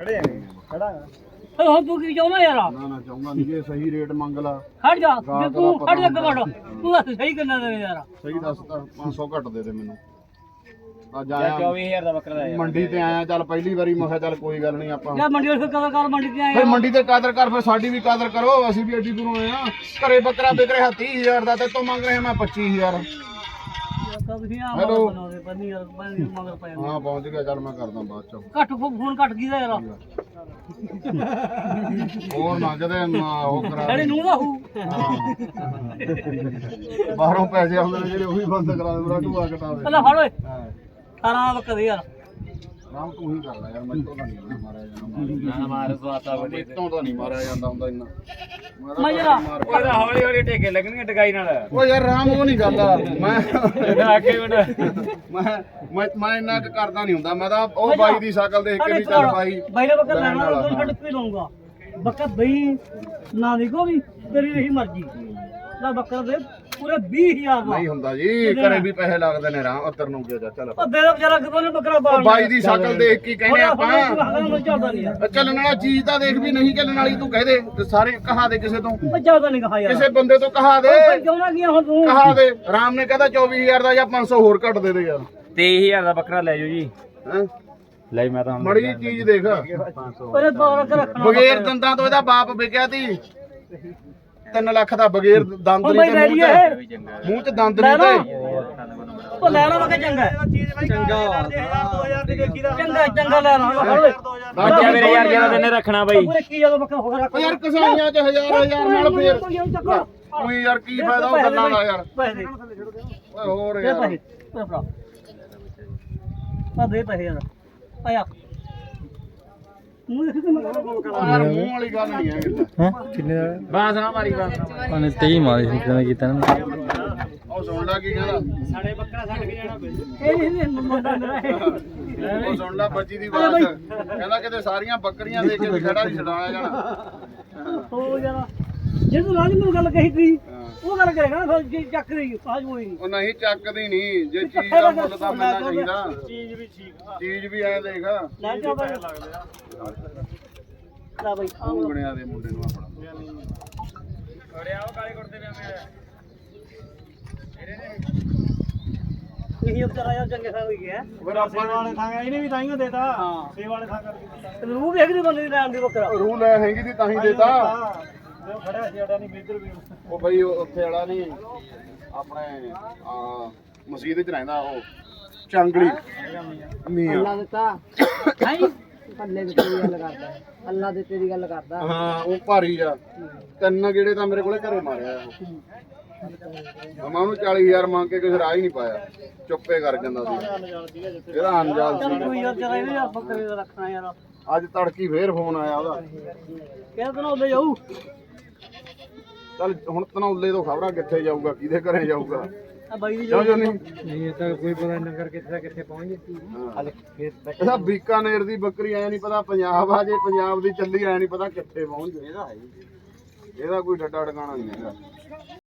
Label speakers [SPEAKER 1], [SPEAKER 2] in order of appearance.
[SPEAKER 1] ਖੜੇ ਆ ਖੜਾ
[SPEAKER 2] ਹੁਣ ਤੂੰ ਕੀ ਚਾਹੁੰਦਾ ਯਾਰ
[SPEAKER 3] ਨਾ ਨਾ ਚਾਹੁੰਦਾ ਨਹੀਂ ਜੇ ਸਹੀ ਰੇਟ ਮੰਗ ਲਾ
[SPEAKER 2] ਖੜ ਜਾ ਜੇ ਤੂੰ ਖੜ ਜਾ ਕਮੜ ਤੂੰ ਦੱਸ ਸਹੀ ਕਿੰਨਾ ਦੇਵੇਂ ਯਾਰ
[SPEAKER 3] ਸਹੀ ਦੱਸ ਤਾਂ 500 ਘੱਟ ਦੇ ਦੇ ਮੈਨੂੰ ਅੱਜ
[SPEAKER 1] ਯਾਰ
[SPEAKER 3] ਆਇਆ
[SPEAKER 1] 24000 ਦਾ ਬੱਕਰਾ ਦਾ ਯਾਰ
[SPEAKER 3] ਮੰਡੀ ਤੇ ਆਇਆ ਚੱਲ ਪਹਿਲੀ ਵਾਰੀ ਮੈਂ ਕਿਹਾ ਚੱਲ ਕੋਈ ਗੱਲ ਨਹੀਂ ਆਪਾਂ
[SPEAKER 2] ਯਾਰ ਮੰਡੀ ਵਾਲੇ ਕਦਰ ਕਰ ਮੰਡੀ ਤੇ ਆਏ
[SPEAKER 3] ਫਿਰ ਮੰਡੀ ਤੇ ਕਦਰ ਕਰ ਫਿਰ ਸਾਡੀ ਵੀ ਕਦਰ ਕਰੋ ਅਸੀਂ ਵੀ ਐਡੀ ਦੂਰੋਂ ਆਏ ਆ ਘਰੇ ਬੱਕਰਾ ਵਿਕ ਰਿਹਾ 30000 ਦਾ ਤੇ ਤੂੰ ਮੰਗ ਰਿਹਾ ਮੈਂ 25000
[SPEAKER 2] ਹੈਲੋ ਬੰਨੀ ਯਾਰ ਬੰਨੀ ਮਗਰ ਪੈ
[SPEAKER 3] ਹਾਂ ਪਹੁੰਚ ਗਿਆ ਚੱਲ ਮੈਂ ਕਰਦਾ ਬਾਅਦ ਚ
[SPEAKER 2] ਘੱਟ ਫੋਨ ਘੱਟ ਗਈ ਦਾ ਯਾਰ
[SPEAKER 3] ਹੋਰ ਮੰਗਦੇ ਉਹ ਕਰਾ
[SPEAKER 2] ਸਾਡੇ ਨੂੰ ਦਾ ਹੂ
[SPEAKER 3] ਬਾਹਰੋਂ ਪੈਸੇ ਆਉਂਦੇ ਨੇ ਜਿਹੜੇ ਉਹ ਵੀ ਬੰਦ ਕਰਾ ਦੇ ਮੇਰਾ ਢੂਆ ਕਟਾ ਦੇ
[SPEAKER 2] ਪਹਿਲਾਂ ਫੜ ਓਏ
[SPEAKER 3] ਹਾਂ
[SPEAKER 2] 18 ਬੱਕਰੇ ਯਾਰ
[SPEAKER 3] ਨਾਮ ਤੂੰ ਹੀ ਕਰ ਲੈ ਯਾਰ ਮੈਥੋਂ ਤਾਂ ਨਹੀਂ ਮਾਰਿਆ ਜਾਂਦਾ
[SPEAKER 1] ਨਾ ਮਾਰ ਸਵਾਤਾ ਵੱਡੇ
[SPEAKER 3] ਮੈਥੋਂ ਤਾਂ ਨਹੀਂ ਮਾਰਿਆ ਜਾਂਦਾ ਹੁੰਦਾ ਇੰਨਾ
[SPEAKER 2] ਮੈਂ ਜਰਾ
[SPEAKER 1] ਉਹਦਾ ਹੌਲੀ ਹੌਲੀ ਟੇਕੇ ਲੱਗਣਗੇ ਟਕਾਈ ਨਾਲ
[SPEAKER 3] ਉਹ ਯਾਰ ਰਾਮ ਉਹ ਨਹੀਂ ਕਰਦਾ ਮੈਂ
[SPEAKER 1] ਇਹਦਾ ਅੱਗੇ ਬਣਾ
[SPEAKER 3] ਮੈਂ ਇੰਨਾ ਕੁ ਕਰਦਾ ਨਹੀਂ ਹੁੰਦਾ ਮੈਂ ਤਾਂ ਉਹ ਬਾਈ ਦੀ ਸ਼ਕਲ ਦੇਖ ਕੇ ਵੀ ਚੱਲ ਬਾਈ
[SPEAKER 2] ਬਾਈ ਨੇ ਬੱਕਰਾ ਲੈਣਾ ਉਹ ਛੱਡ ਕੇ ਲਊਂਗਾ ਬੱਕਰਾ ਬਈ ਨਾ ਦੇਖੋ ਵੀ ਤੇਰੀ ਰਹੀ ਮਰਜ਼ੀ ਨਾ ਬੱਕਰਾ ਦੇ ਪੂਰੇ 20000 ਦਾ
[SPEAKER 3] ਨਹੀਂ ਹੁੰਦਾ ਜੀ ਘਰੇ ਵੀ ਪੈਸੇ ਲੱਗਦੇ ਨੇ ਰਾਮ ਉੱਤਰ ਨੂੰ ਗਿਆ ਚੱਲ
[SPEAKER 2] ਉਹ ਦੇ ਦੋ ਵਿਚਾਰਾ ਕਿਦੋਂ ਨੇ ਬੱਕਰਾ ਬਾਲ
[SPEAKER 3] ਬਾਈ ਦੀ ਸ਼ਕਲ ਦੇਖ ਕੇ ਕਹਿੰਦੇ ਆਪਾਂ
[SPEAKER 2] ਚੱਲਦਾ ਨਹੀਂ ਯਾਰ
[SPEAKER 3] ਚੱਲਣ ਵਾਲਾ ਚੀਜ਼ ਤਾਂ ਦੇਖ ਵੀ ਨਹੀਂ ਚੱਲਣ ਵਾਲੀ ਤੂੰ ਕਹਿ ਦੇ ਤੇ ਸਾਰੇ ਕਹਾ ਦੇ ਕਿਸੇ ਤੋਂ
[SPEAKER 2] ਉਹ ਜ਼ਿਆਦਾ ਨਹੀਂ ਕਹਾ ਯਾਰ
[SPEAKER 3] ਕਿਸੇ ਬੰਦੇ ਤੋਂ ਕਹਾ ਦੇ
[SPEAKER 2] ਕਿਉਂ ਨਾ ਗਿਆ ਹੁਣ ਤੂੰ
[SPEAKER 3] ਕਹਾ ਦੇ ਰਾਮ ਨੇ ਕਹਿੰਦਾ 24000 ਦਾ ਜਾਂ 500 ਹੋਰ ਘੱਟ ਦੇ ਦੇ ਯਾਰ
[SPEAKER 1] 23000 ਦਾ ਬੱਕਰਾ ਲੈ ਜਾਓ ਜੀ
[SPEAKER 3] ਹੈਂ
[SPEAKER 1] ਲੈ ਮੈਂ ਤਾਂ
[SPEAKER 3] ਮੜੀ ਜਿਹੀ ਚੀਜ਼ ਦੇਖ
[SPEAKER 2] ਉਹਨੇ ਤੋਰ ਕੇ ਰੱਖਣਾ
[SPEAKER 3] ਬਗੈਰ ਦੰਦਾਂ ਤੋਂ ਇਹਦਾ ਬਾਪ ਵਿਕਿਆ ਤੀ 3 ਲੱਖ ਦਾ ਬਗੈਰ ਦੰਦ
[SPEAKER 2] ਉਹ
[SPEAKER 3] ਨਹੀਂ
[SPEAKER 2] ਬਈ
[SPEAKER 3] ਤੇ
[SPEAKER 2] ਲੈ
[SPEAKER 3] ਮੂੰਹ
[SPEAKER 2] ਲਈਏ
[SPEAKER 3] ਚ ਮੂੰਹ ਚ ਦੰਦ ਨਹੀਂ ਤੇ
[SPEAKER 2] ਉਹ ਲੈ ਲਾ ਮੈਂ ਚੰਗਾ ਚੰਗਾ ਚੰਗਾ ਲੈ ਲਾ
[SPEAKER 1] ਬੱਚਾ ਮੇਰੇ ਯਾਰ ਜਿਹੜਾ ਤੈਨੇ ਰੱਖਣਾ ਬਾਈ
[SPEAKER 2] ਪੂਰੇ ਕੀ ਜਦੋਂ ਬੱਕਰਾ ਹੋ ਰੱਖ
[SPEAKER 3] ਓ ਯਾਰ ਕਸਾਈਆਂ ਚ ਹਜ਼ਾਰ ਨਾਲ ਫੇਰ ਉਹੀ ਯਾਰ ਕੀ ਫਾਇਦਾ ਉਹ ਗੱਲਾਂ ਦਾ ਯਾਰ
[SPEAKER 2] ਪੈਸੇ
[SPEAKER 3] ਓਏ ਹੋਰ
[SPEAKER 2] ਦੇ
[SPEAKER 3] ਯਾਰ
[SPEAKER 2] ਪੈਸੇ ਭਰਾ ਆ ਦੇ ਪੈਸੇ ਯਾਰ ਆਇਆ ਮੂੰਹ ਦੇਖ ਕੇ ਮੈਂ
[SPEAKER 3] ਯਾਰ ਮੂੰਹ ਵਾਲੀ ਗੱਲ ਨਹੀਂ ਹੈ
[SPEAKER 4] ਕਿੰਨੇ ਦਾ
[SPEAKER 1] ਬਾਸ ਨਾ ਮਾਰੀ ਬਾਸ
[SPEAKER 4] ਉਹਨੇ 23 ਮਾਰੇ ਸੀ ਕਿਹਨੇ ਕੀਤਾ ਨਾ
[SPEAKER 3] ਉਹ ਸੁਣ ਲੈ ਕੀ ਕਹਿੰਦਾ
[SPEAKER 1] ਸਾਡੇ ਬੱਕਰਾ ਛੱਡ ਕੇ ਜਾਣਾ
[SPEAKER 2] ਇਹ ਨਹੀਂ ਮੁੰਡਾ ਮੇਰਾ ਇਹ
[SPEAKER 3] ਉਹ ਸੁਣ ਲੈ ਬੱਚੀ ਦੀ ਬਾਤ ਕਹਿੰਦਾ ਕਿਤੇ ਸਾਰੀਆਂ ਬੱਕਰੀਆਂ ਦੇ ਕੇ ਵੀ ਖੜਾ ਨਹੀਂ ਛਡਾਇਆ ਜਾਣਾ
[SPEAKER 2] ਹੋ ਜਾਣਾ ਜੇ ਤੂੰ ਰਾਜ ਨੂੰ ਗੱਲ ਕਹੀ ਤੀ ਉਹ ਗੱਲ ਕਰੇਗਾ ਨਾ ਫਿਰ ਜੇ ਚੱਕ ਰਹੀ ਸਾਜ ਹੋਈ ਨਹੀਂ
[SPEAKER 3] ਉਹ ਨਹੀਂ ਚੱਕਦੀ ਨਹੀਂ ਜੇ ਚੀਜ਼ ਦਾ ਮੁੱਲ ਤਾਂ ਮਿਲਣਾ ਚਾਹੀਦਾ ਚੀਜ਼ ਵੀ ਐ ਦੇਖ
[SPEAKER 2] ਲੈ ਜਾ ਬਾਈ ਲੈ ਬਾਈ
[SPEAKER 3] ਉਂਗਣਿਆਂ ਦੇ ਮੁੰਡੇ ਨੂੰ ਆਪਣਾ
[SPEAKER 1] ਅਰੇ ਆਓ ਕਾਲੇ ਕੁੜਤੇ ਪਿਆ
[SPEAKER 2] ਇਹ ਵਿਚਾਰਾ ਯਾਰ ਚੰਗੇ ਸਾਹ ਹੋਈ ਗਿਆ
[SPEAKER 3] ਫਿਰ ਆਪਾਂ
[SPEAKER 1] ਵਾਲੇ ਥਾਂ ਇਹਨੇ ਵੀ ਤਾਈਓ ਦੇਤਾ ਸੇ ਵਾਲੇ ਥਾਂ ਕਰਕੇ
[SPEAKER 2] ਰੂਹ ਵੇਖਦੀ ਬੰਦੇ ਦੀ ਲੈਣ ਦੀ ਬੱਕਰਾ
[SPEAKER 3] ਰੂਹ ਲੈ ਹੈਗੀ ਦੀ ਤਾਂ ਹੀ ਦੇਤਾ
[SPEAKER 1] ਜੋ ਖੜਿਆ ਸੀ ਸਾਡਾ ਨਹੀਂ ਇੱਧਰ ਵੀ
[SPEAKER 3] ਉਹ ਬਈ ਉੱਥੇ ਵਾਲਾ ਨਹੀਂ ਆਪਣੇ ਆ ਮਸਜਿਦ ਚ ਰਹਿੰਦਾ ਉਹ ਚੰਗਲੀ ਮੀਆਂ
[SPEAKER 2] ਦਿੱਤਾ ਹੈ ਪੱਲੇ ਦੇ ਤੇਰੀ ਗੱਲ ਕਰਦਾ ਅੱਲਾ ਦੇ ਤੇਰੀ ਗੱਲ ਕਰਦਾ
[SPEAKER 3] ਹਾਂ ਉਹ ਭਾਰੀ ਆ 3 ਗੇੜੇ ਤਾਂ ਮੇਰੇ ਕੋਲੇ ਘਰੇ ਮਾਰਿਆ ਉਹ ਮੈਂ ਉਹਨੂੰ 40000 ਮੰਗ ਕੇ ਕਿਸੇ ਰਾਹ ਹੀ ਨਹੀਂ ਪਾਇਆ ਚੁੱਪੇ ਕਰ ਜਾਂਦਾ ਸੀ ਇਹਦਾ ਅਨਜਾਲ
[SPEAKER 2] ਚੱਲ
[SPEAKER 3] ਸੀ
[SPEAKER 2] ਕੋਈ ਯਾਰ ਜਰਾ ਇਹਨੇ ਯਾਰ ਬੱਕਰੇ ਦਾ ਰੱਖਣਾ ਯਾਰ
[SPEAKER 3] ਅੱਜ ਤੜਕੀ ਫੇਰ ਫੋਨ ਆਇਆ ਉਹਦਾ
[SPEAKER 2] ਕਿਹਦੇ ਨਾਲ ਉਹਦੇ ਜਾਊ
[SPEAKER 3] ਚੱਲ ਹੁਣ ਤਨੌਲੇ ਤੋਂ ਖਬਰਾਂ ਕਿੱਥੇ ਜਾਊਗਾ ਕਿਹਦੇ ਘਰੇ ਜਾਊਗਾ
[SPEAKER 2] ਆ ਬਾਈ ਦੀ
[SPEAKER 3] ਕਿਉਂ ਜੋਨੀ
[SPEAKER 4] ਇਹ ਤਾਂ ਕੋਈ ਪਤਾ ਨੰਗਰ ਕਿੱਥੇ ਪਹੁੰਚ ਗਈ
[SPEAKER 3] ਇਹਦਾ ਬੀਕਾਨੇਰ ਦੀ ਬੱਕਰੀ ਐ ਨਹੀਂ ਪਤਾ ਪੰਜਾਬ ਆ ਜੇ ਪੰਜਾਬ ਦੀ ਚੱਲੀ ਐ ਨਹੀਂ ਪਤਾ ਕਿੱਥੇ ਪਹੁੰਚ ਜਾਏ ਇਹਦਾ ਕੋਈ ਡੱਡਾ ਟਿਕਾਣਾ ਨਹੀਂ ਹੈਗਾ